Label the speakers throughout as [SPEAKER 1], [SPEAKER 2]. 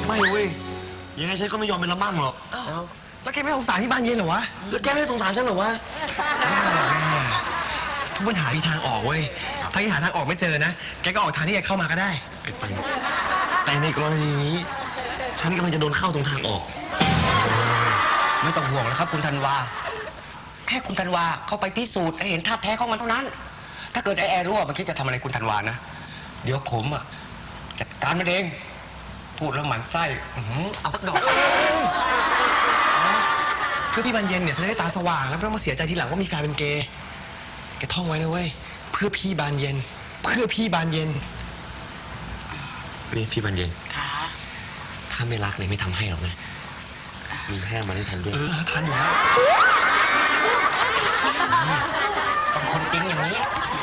[SPEAKER 1] ไม่เว้ยยังไงฉันก็ไม่ยอมเป็นละมั่งหรอก
[SPEAKER 2] แล้วแกไม่สงสารที่บ้านเย็นเหรอวะ
[SPEAKER 1] แล้วแกไม่สงสารฉันหรอวะ
[SPEAKER 2] ทุกปัญหามีทางออกเว้ยถ้าแกหาทางออกไม่เจอนะแกก็ออกทางที่แกเข้ามาก็ได้
[SPEAKER 1] ไอ้ปันแต่ในกรณีนี้ฉันกำลังจะโดนเข้าตรงทางออก
[SPEAKER 3] ไม่ต้องห่วงแล้วครับคุณธันวาแค่คุณธันวาเข้าไปพิสูจน์ให้เห็นท่าแท้ของมันเท่านั้นถ้าเกิดไอ้แอร์รั่วมันคิดจะทำอะไรคุณธันวานะเดี๋ยวผมจัดการมันเองพูดแล้วหมั่นไส้เอาสักดอก
[SPEAKER 2] คือพี่บานเย็นเนี่ยเธอได้ตาสว่างแล้วไม่ต้องมาเสียใจทีหลังว่ามีแฟนเป็นเกย์แกท่องไว้นะเว้ยเพื่อพี่บานเย็นเพื่อพี่บานเย็น
[SPEAKER 1] นี่พี่บานเย็น
[SPEAKER 4] ค่ะ
[SPEAKER 1] ถ้าไม่รักเลยไม่ทำให้หรอกนะมีแค่มาได้ทันด้วย
[SPEAKER 2] ทันอยู่แล้ว
[SPEAKER 3] ต้องคนจริงอย่างนี้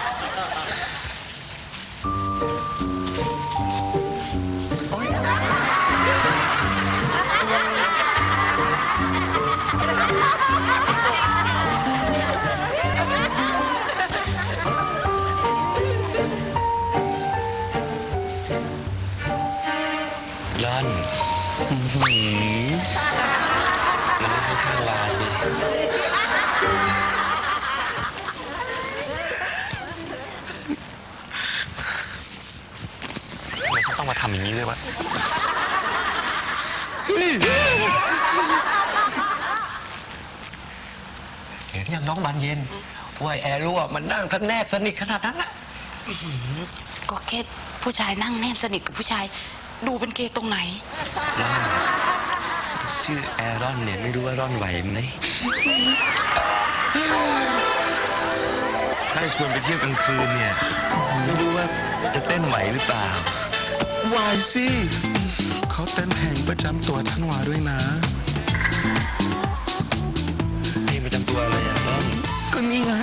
[SPEAKER 1] ย้อนมันไม่ค่อยข้างวาสิทำไมฉันต้องมาทำอย่างนี้ด้วยวะ
[SPEAKER 3] เห็นยังน้องบานเย็นว่าแอร์รั่วมันนั่งทันแนบสนิทขนาดนั้นนะ
[SPEAKER 4] ก็แค่ผู้ชายนั่งแนบสนิทกับผู้ชายดูเป็นเกย์ตรงไหน
[SPEAKER 1] ชื่อแอรอนเนี่ยไม่รู้ว่าร่อนไหวไหมถ้าชวนไปเที่ยวกลางคืนเนี่ยไม่รู้ว่าจะเต้นไหวหรือเปล่า
[SPEAKER 5] ไหวสิเขาเต้นแห่งประจำตัวท่านวาด้วยนะ
[SPEAKER 1] เพลงประจำตัวอะไรอ่ะร่อน
[SPEAKER 5] ก็นี่ไง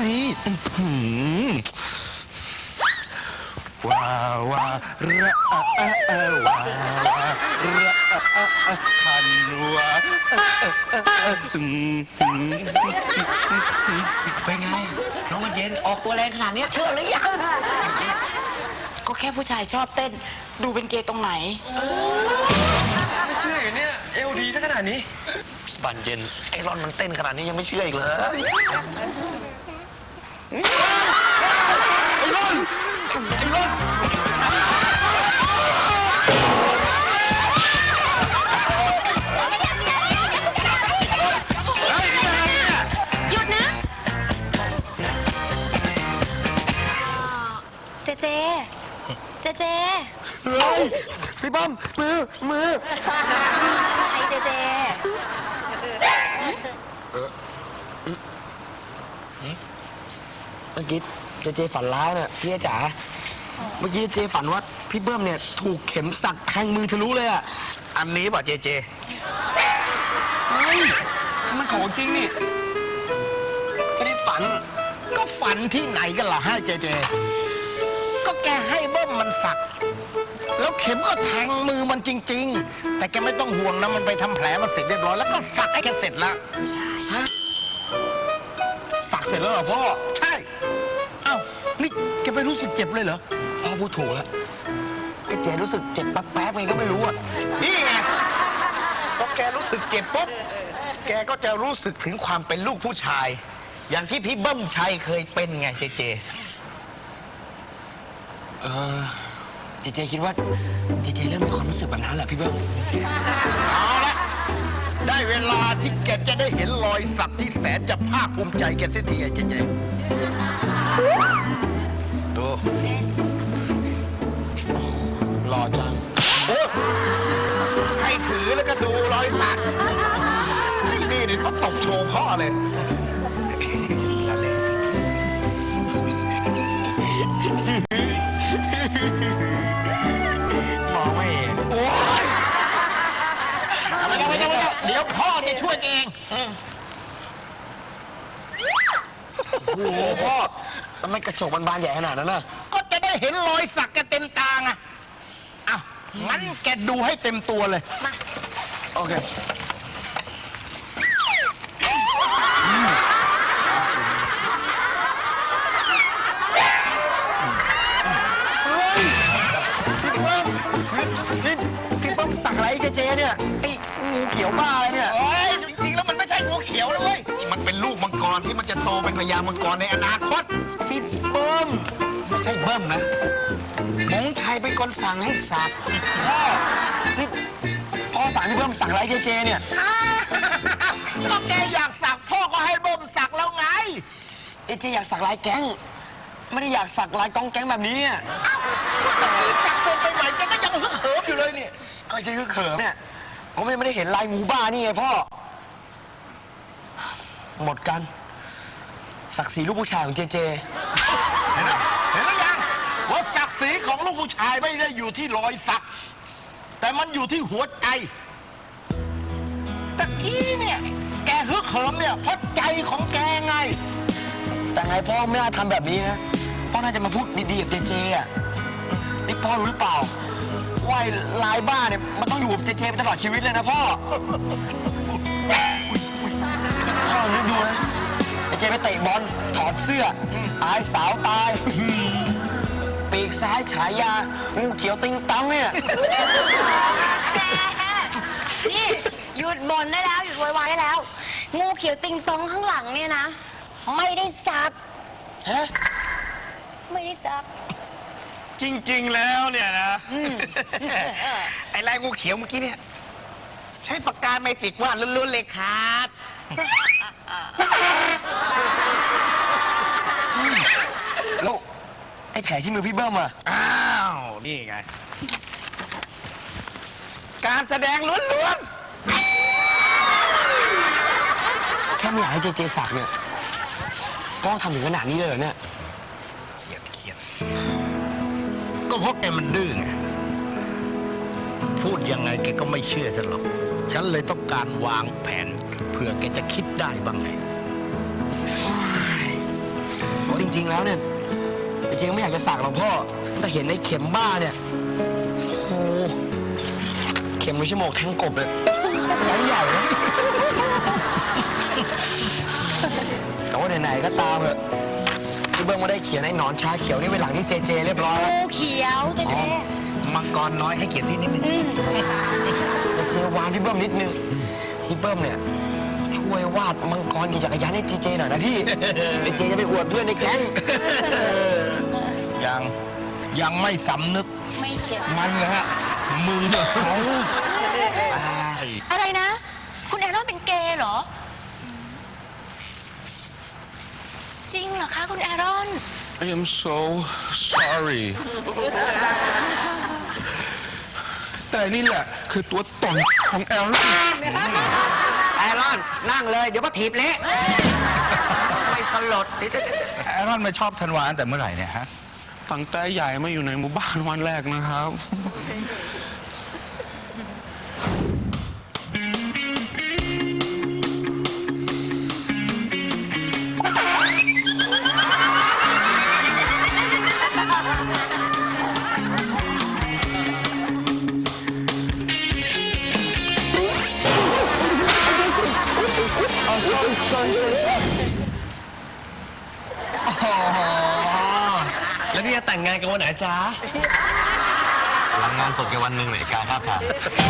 [SPEAKER 5] ว้าวาระว้าวาระคันวา
[SPEAKER 3] เป็นไงน้องบานเย็นออกตัวแรงขนาดนี้เชื่อหรือยัง
[SPEAKER 4] ก็แค่ผู้ชายชอบเต้นดูเป็นเกย์ตรงไหน
[SPEAKER 2] ไม่เชื่ออย่างเนี้ยเอวดีซะขนาดนี้
[SPEAKER 1] บานเย็นไอรอนมันเต้นขนาดนี้ยังไม่เชื่ออีกเหรอ
[SPEAKER 2] ไอ้รอน
[SPEAKER 6] หยุดนะเจ
[SPEAKER 2] เฮ้ยพี่ป้อมมือ
[SPEAKER 6] ไอเจ
[SPEAKER 2] เมื่อกี้เจฝันร้ายน่ะพี่จ๋าเมื่อกี้เจฝันว่าพี่เบิ้มเนี่ยถูกเข็มสักแทงมือทะลุเลยอ่ะ
[SPEAKER 3] อันนี้ป่ะเจ
[SPEAKER 2] เฮ้ยมันของจริงนี่ไม่ได้ฝัน
[SPEAKER 3] ก็ฝันที่ไหนกันล่ะให้เจก็แกให้เบิ้มมันสักแล้วเข็มก็แทงมือมันจริงๆแต่แกไม่ต้องห่วงนะมันไปทำแผลมาเสร็จเรียบร้อยแล้วก็สักให้แกเสร็จแล้ว
[SPEAKER 2] สักเสร็จแล้วเหรอพ่อ
[SPEAKER 3] ใช่เอ้านี่แกไม่รู้สึกเจ็บเลยเหรอ
[SPEAKER 2] พ่อพูดถูกแล้วไอ้เจรู้สึกเจ็บแป๊บๆไงก็ไม่รู้อ่ะ
[SPEAKER 3] นี่ไงพอแกรู้สึกเจ็บปุ๊บแกก็จะรู้สึกถึงความเป็นลูกผู้ชายอย่างที่พี่เบิ้มชัยเคยเป็นไงเจ
[SPEAKER 2] คิดว่าเจเริ่มมีความรู้สึกแบบนั้นแหละพี่เบิ้ม
[SPEAKER 3] เอาละได้เวลาที่แกจะได้เห็นรอยสักที่แสนจะภาคภูมิใจแกเสียทีไอ้เจดู
[SPEAKER 2] หล่อจัง
[SPEAKER 3] ให้ถือแล้วก็ดูรอยสักนี่ต้องตบโชว์พ่อเลย
[SPEAKER 2] มองไม่เห็น
[SPEAKER 3] ไม่ต้องเดี๋ยวพ่อจะช่วยเอง
[SPEAKER 2] โอ้โหพ่อทำไมกระจกมันบานใหญ่ขนาดนั้นน่ะ
[SPEAKER 3] ก็จะได้เห็นรอยสักแกเต็มตาไงอ้าวงั้นแกดูให้เต็มตัวเลย
[SPEAKER 6] มา
[SPEAKER 2] โอเคสักอะไรเจเนี่ยไอ้งูเขียวบ้าอะไรเนี่ย
[SPEAKER 1] โอ้ยจริงๆแล้วมันไม่ใช่งูเขียวนะเว้ยนี่มันเป็นลูกมังกรที่มันจะโตเป็นพญามังกรในอนาคต
[SPEAKER 2] พี่เบิ้ม
[SPEAKER 1] ไม่ใช่เบิ้มนะมงชัยเป็นคนสั่งให้สัก
[SPEAKER 2] พ่อนี่พ่อสั่งให้เบิ้มสักอะไรเจเนี่ย
[SPEAKER 1] ก็แกอยากสักพ่อก็ให้เบิ้มสักแล้วไง
[SPEAKER 2] เจอยากสักลายแก๊งไม่ได้อยากสักลายกองแก๊งแบบนี้อะ
[SPEAKER 1] ตะกี้สักเสร็จไปใหม่แกก็ยังฮึกเหิมอยู่เลยเนี่ย
[SPEAKER 2] ก็เจคือเขิมเนี่ยผมไม่ได้เห็นลายงูบ้านี่ไงพ่อหมดกันศักดิ์ศรีลูกผู้ชายของเจ
[SPEAKER 1] เห็นแล้วยังว่าศักดิ์ศรีของลูกผู้ชายไม่ได้อยู่ที่รอยสัก แต่มันอยู่ที่หัวใจตะกี้เนี่ยแกฮึกเหิมเนี่ยเพราะใจของแกไง
[SPEAKER 2] แต่ไงพ่อไม่น่าทำแบบนี้นะพ่อน่าจะมาพูดดีๆกับเจอ่ะนี่พ่อรู้หรือเปล่าว่าไอ้ลายบ้าเนี่ยมันต้องอยู่กับเจไปตลอดชีวิตเลยนะพ่อพ่อนึกดูนะเจไปเตะบอลถอดเสื้ออายสาวตายปีกซ้ายฉายางูเขียวติงตังเนี่ย
[SPEAKER 6] นี่หยุดบ่นได้แล้วหยุดโวยวายได้แล้ว งูเขียวติงตองข้างหลังเนี่ยนะ ไม่ได้ซัก
[SPEAKER 2] ฮะ
[SPEAKER 6] ไม่ได้ซัก
[SPEAKER 1] จริงๆแล้วเนี่ยนะ ไอ้ลายงูเขียวเมื่อกี้เนี่ยใช้ปากกาเมจิกวาดล้วนๆเลยครับ
[SPEAKER 2] แล้วไอ้แผลที่มือพี่เบิ้มอะ
[SPEAKER 1] อ้าว นี่ไง การแสดงล้วน
[SPEAKER 2] แค่ไม่อยากให้เจสักเนี่ยต้องทำถึงขนาดนี้เลยเหรอเนี่ย
[SPEAKER 1] ๆเครียดก็เพราะแกมันดื้อไง พูดยังไงแกก็ไม่เชื่อฉันหรอก ฉันเลยต้องการวางแผนเผื่อแกจะคิดได้บ้างไง
[SPEAKER 2] จริงๆแล้วเนี่ยเจก็ไม่อยากจะสักหรอกพ่อแต่เห็นไอ้เข็มบ้าเนี่ยโอ้โหเข็มมือชั่วโมงแทงกบเลยใหญ่ๆนะแต่ว่าไหนๆก็ตามเถอะพี่เบิ้มก็ได้เขียนไอ้หนอนชาเขียวนี่ไว้หลังที่เจเรียบร้อยแล้ว
[SPEAKER 6] งูเขียวเจ
[SPEAKER 1] มังกรน้อยให้เกียรติพี่นิดนึง
[SPEAKER 2] แต่เจวานพี่เบิ้มนิดนึงพี่เบิ้มเนี่ยช่วยวาดมังกรขี่จักรยานให้เจหน่อยนะพี่เจจะไปอวดเพื่อนในแก๊ง
[SPEAKER 1] ยังไม่สำนึก
[SPEAKER 6] ไม่เขียว
[SPEAKER 1] มันนะฮะมึงเนี่ย
[SPEAKER 6] อะไรนะ คุณแอนนอนเป็นเกย์เหรอ จริงเหรอคะคุณแอรอน
[SPEAKER 5] I am so sorry แต่นี่แหละคือตัวตนของแอลลี่
[SPEAKER 3] แอรอนนั่งเลยเดี๋ยวก็ถีบเละไม่สลดเดี๋ยว
[SPEAKER 5] แอรอนไม่ชอบธันวาตั้งแต่เมื่อไหร่เนี่ยฮะตั้งแต่ใหญ่มาอยู่ในหมู่บ้านวันแรกนะครับ
[SPEAKER 2] แล้วนี่จะแต่งงานกันวันไหนจ๊ะ
[SPEAKER 1] หลังงานศพแกวันหนึ่งเลยการภาพถ่าย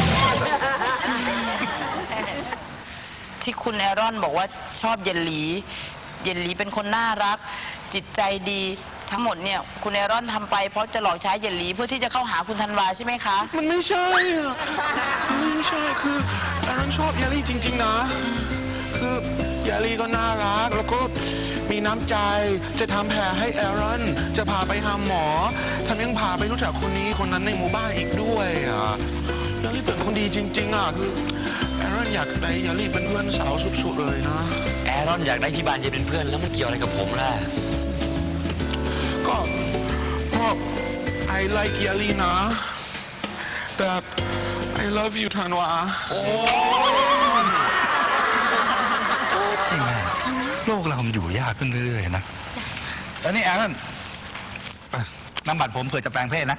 [SPEAKER 4] ที่คุณแอรอนบอกว่าชอบเยลลี เยลลีเป็นคนน่ารัก จิตใจดีทั้งหมดเนี่ยคุณแอรอนทำไปเพราะจะหลอกใช้เยลลีเพื่อที่จะเข้าหาคุณธันวาใช่ไหมคะ
[SPEAKER 5] มันไม่ใช่อะมันไม่ใช่คือแอรอนชอบยาลี่จริง ๆ นะ คือยาลี่ก็น่ารักแล้วก็มีน้ำใจจะทำแผลให้แอรอนจะพาไปหาหมอทำยังพาไปรู้จักคนนี้คนนั้นในหมู่บ้านอีกด้วยอ่ะยาลี่เป็นคนดีจริง ๆอ่ะคือแอรอนอยากได้ยาลี่เป็นเพื่อนสาวสุดๆเลยนะ
[SPEAKER 2] แอรอนอยากได้พี่บานเย็นเป็นเพื่อนแล้วมันเกี่ยวอะไรกับผมล่ะ
[SPEAKER 5] ก็ I like ยาลี่นะแต่ I love you ธันวา
[SPEAKER 7] โลกเรามันอยู่ยากขึ้นเรื่อยๆนะแล้วนี่แอรอนน้ำบัตรผมเผื่อจะแปลงเพศนะ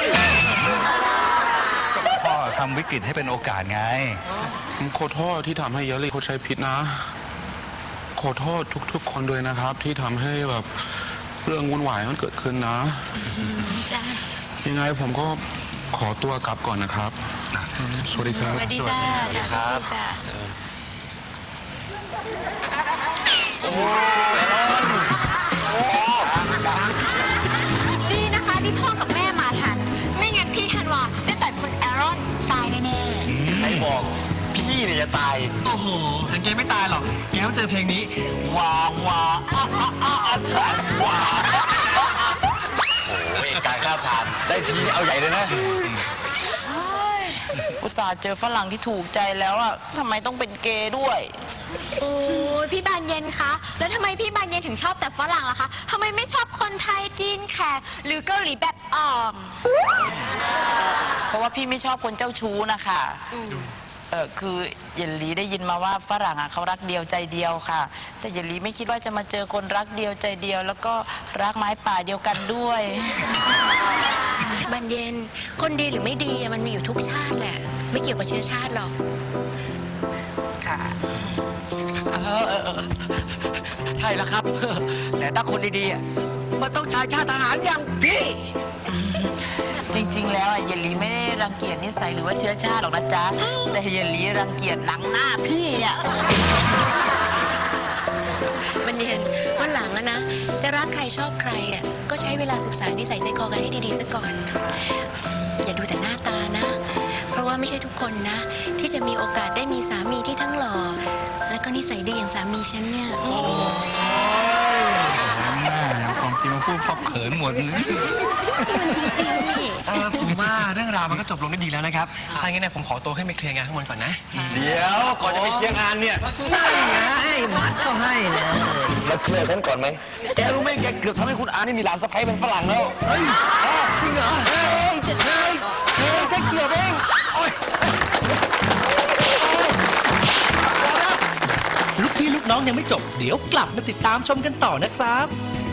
[SPEAKER 7] พ่อทำวิกฤตให้เป็นโอกาสไง
[SPEAKER 5] ผมขอโทษที่ทำให้ยาลี่เขาใช้ผิดนะ ขอโทษทุกๆคนด้วยนะครับ ที่ทำให้แบบเรื่องวุ่นวายมันเกิดขึ้นนะ ยังไงผมก็ขอตัวกลับก่อนนะครับสวัสดีครับ
[SPEAKER 6] สวัสดีจ้าครับจ้าดีนะคะที่พ่อกับแม่มาทัน ไม่งั้นพี่ธันวาได้ต่อยคุณแอรอนตายแน่
[SPEAKER 2] ใครบอกพี่เนี่ยจะตาย โอ้โหแต่แกไม่ตายหรอกแกต้องเจอเพลงนี้วาวาทันวาโอ้ยการฆ่าทานได้ทีเอาใหญ่เลยนะ
[SPEAKER 4] อุตส่าห์เจอฝรั่งที่ถูกใจแล้วอ่ะทำไมต้องเป็นเกย์ด้วย
[SPEAKER 6] ๆโอ้ยพี่บานเย็นคะแล้วทำไมพี่บานเย็นถึงชอบแต่ฝรั่งล่ะคะทำไมไม่ชอบคนไทยจีนแขกหรือเกาหลีแบบอ่อม
[SPEAKER 4] เพราะว่าพี่ไม่ชอบคนเจ้าชู้นะคะคือเยลลีได้ยินมาว่าฝรั่งอ่ะเขารักเดียวใจเดียวค่ะ แต่เยลลีไม่คิดว่าจะมาเจอคนรักเดียวใจเดียว แล้วก็รักไม้ป่าเดียวกันด้วย
[SPEAKER 6] บันเย็นคนดีหรือไม่ดีอะมันมีอยู่ทุกชาติแหละ ไม่เกี่ยวกับเชื้อชาติหรอก
[SPEAKER 4] ค่ะ
[SPEAKER 3] ใช่แล้วครับ แต่ถ้าคนดีๆอะมันต้องชายชาติทหารอย่างพี่
[SPEAKER 4] จริงๆ แล้วอ่ะเยลลีไม่ได้รังเกียจนิสัยหรือว่าเชื้อชาติหรอกนะจ๊ะ แต่เยลลีรังเกียจหนังหน้าพี่เนี่ย
[SPEAKER 6] บันเย็นวันหลังอะนะ จะรักใครชอบใครเนี่ยก็ใช้เวลาศึกษานิสัยใจคอกันให้ดีๆซะก่อน อย่าดูแต่หน้าตานะ เพราะว่าไม่ใช่ทุกคนนะ ที่จะมีโอกาสได้มีสามีที่ทั้งหล่อและก็นิสัยดีอย่างสามีฉันเนี่ย
[SPEAKER 7] ความจริงมาพูดเพราะเขินหมดเลย
[SPEAKER 2] ผมว่าเรื่องราวมันก็จบลงได้ดีแล้วนะครับถ้างั้นเนี่ยผมขอตัวขึ้นไปเคลียร์งานข้างบนก่อนนะ
[SPEAKER 3] เดี๋ยวก่อนจะไปเชียร์งานเนี่ย
[SPEAKER 2] มาเคลียร์กันก่อนไหมแกรู้ไหมแกเกือบทำให้คุณอานี่มีหลานสะใภ้เป็นฝรั่งแล้ว
[SPEAKER 3] จริงเหรอ เฮ้ยแค่เกี่ยวเอง
[SPEAKER 8] ลูกพี่ลูกน้องยังไม่จบ เดี๋ยวกลับมาติดตามชมกันต่อนะครับ